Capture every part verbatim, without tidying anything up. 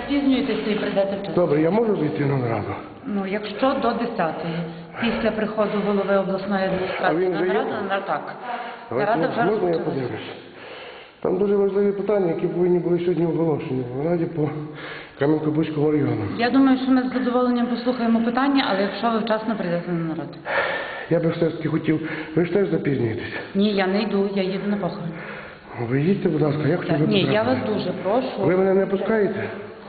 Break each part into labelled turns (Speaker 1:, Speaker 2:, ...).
Speaker 1: спізнюєтеся і прийдете вчасно.
Speaker 2: Добре, я можу вийти на нараду?
Speaker 1: Ну, якщо до десятої, після приходу голови обласної адміністрації на нараду, на так. Нарада вже
Speaker 2: Можна я
Speaker 1: розпочалася.
Speaker 2: подивлюсь? Там дуже важливі питання, які повинні були сьогодні оголошені в Раді по Кам'янко-Бузькому району.
Speaker 1: Я думаю, що ми з задоволенням послухаємо питання, але якщо ви вчасно прийдете на нараду.
Speaker 2: Я би все ж таки хотів, ви ж теж запізнюєтесь.
Speaker 1: Ні, я не йду, я їду на похорон.
Speaker 2: Ви їдьте, будь ласка, я хочу ви
Speaker 1: Ні, я вас
Speaker 2: потрапити.
Speaker 1: дуже прошу.
Speaker 2: Ви мене не пускаєте?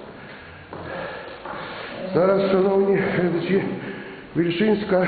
Speaker 2: Зараз, шановні глядачі, Вільшинська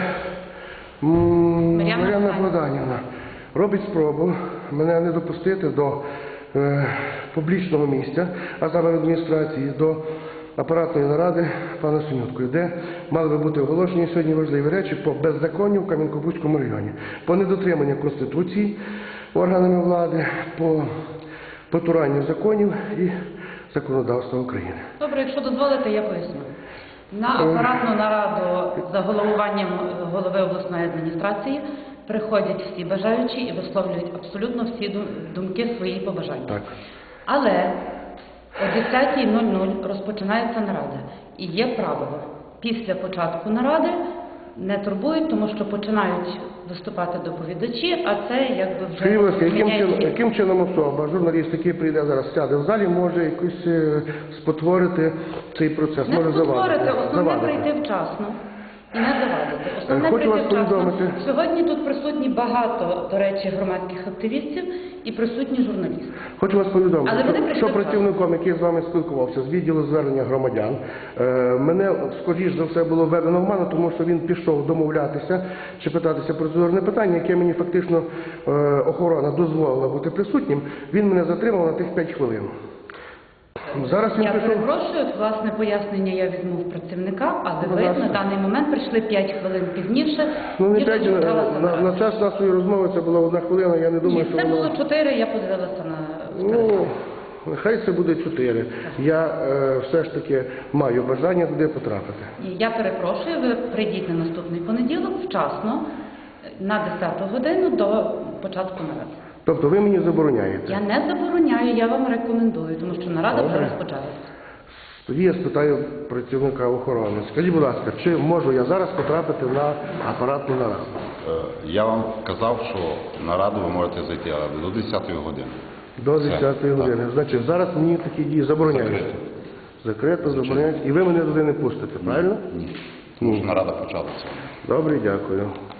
Speaker 2: м,
Speaker 1: Мар'яна
Speaker 2: Мар'яна Богданівна робить спробу мене не допустити до е, публічного місця, а саме в адміністрації, до апаратної наради пана Синюткою, де мали би бути оголошені сьогодні важливі речі по беззаконню в Кам'янко-Бузькому районі, по недотриманню Конституції органами влади, по потуранню законів і законодавства України.
Speaker 1: Добре, якщо дозволите, я поясню. На апаратну нараду за головуванням голови обласної адміністрації приходять всі бажаючі і висловлюють абсолютно всі дум- думки, свої побажання.
Speaker 2: Так.
Speaker 1: Але о десятій нуль нуль розпочинається нарада. І є правило. Після початку наради не турбують, тому що починають виступати доповідачі, а це якби вже...
Speaker 2: Скажіть, будь ласка, яким
Speaker 1: міняє
Speaker 2: чином,
Speaker 1: хід.
Speaker 2: яким чином особа, журналіст, який прийде зараз, сяде в залі, може якось е, спотворити цей процес,
Speaker 1: Не
Speaker 2: може
Speaker 1: спотворити,
Speaker 2: завадити?
Speaker 1: основне
Speaker 2: Завадити.
Speaker 1: прийти вчасно і не завадити. Основне
Speaker 2: Хочу
Speaker 1: прийти
Speaker 2: вас
Speaker 1: вчасно.
Speaker 2: повідомити.
Speaker 1: Сьогодні тут присутні багато, до речі, громадських активістів і присутні журналісти.
Speaker 2: Хочу вас повідомити,
Speaker 1: Але вони
Speaker 2: що,
Speaker 1: прийшли
Speaker 2: що працівником, який з вами спілкувався, з відділу звернення громадян, е, мене, скоріш за все, було введено в ману, тому що він пішов домовлятися чи питатися процедурне питання, яке мені фактично е, охорона дозволила бути присутнім. Він мене затримав на тих п'ять хвилин. Зараз він
Speaker 1: Я
Speaker 2: пішов...
Speaker 1: перепрошую, власне пояснення я візьму в працівника, але
Speaker 2: Будь
Speaker 1: ви
Speaker 2: ласка.
Speaker 1: на даний момент прийшли п'ять хвилин пізніше,
Speaker 2: Ну, не
Speaker 1: ніж
Speaker 2: п'ять,
Speaker 1: розпочалася
Speaker 2: на,
Speaker 1: нарада.
Speaker 2: на час нашої розмови це була одна хвилина, я не думаю,
Speaker 1: Ні,
Speaker 2: що
Speaker 1: це
Speaker 2: воно...
Speaker 1: було чотири, я подивилася на
Speaker 2: Ну, нехай це буде чотири. Я е, все ж таки маю бажання туди потрапити.
Speaker 1: І я перепрошую, ви прийдіть на наступний понеділок вчасно, на десяту годину до початку наради.
Speaker 2: Тобто ви мені забороняєте?
Speaker 1: Я не забороняю, я вам рекомендую, тому що нарада вже
Speaker 2: Добре.
Speaker 1: розпочалася.
Speaker 2: Тоді я спитаю працівника охорони. Скажіть, будь ласка, чи можу я зараз потрапити на апаратну нараду?
Speaker 3: Е, Я вам казав, що на раду ви можете зайти, але до десятої години.
Speaker 2: До
Speaker 3: Все.
Speaker 2: десятої
Speaker 3: Так.
Speaker 2: години. Значить, зараз мені такі дії забороняють.
Speaker 3: Закрито.
Speaker 2: Закрито, забороняють. І ви мене туди не пустите, правильно?
Speaker 3: Ні. Тому що нарада почалася.
Speaker 2: Добре, дякую.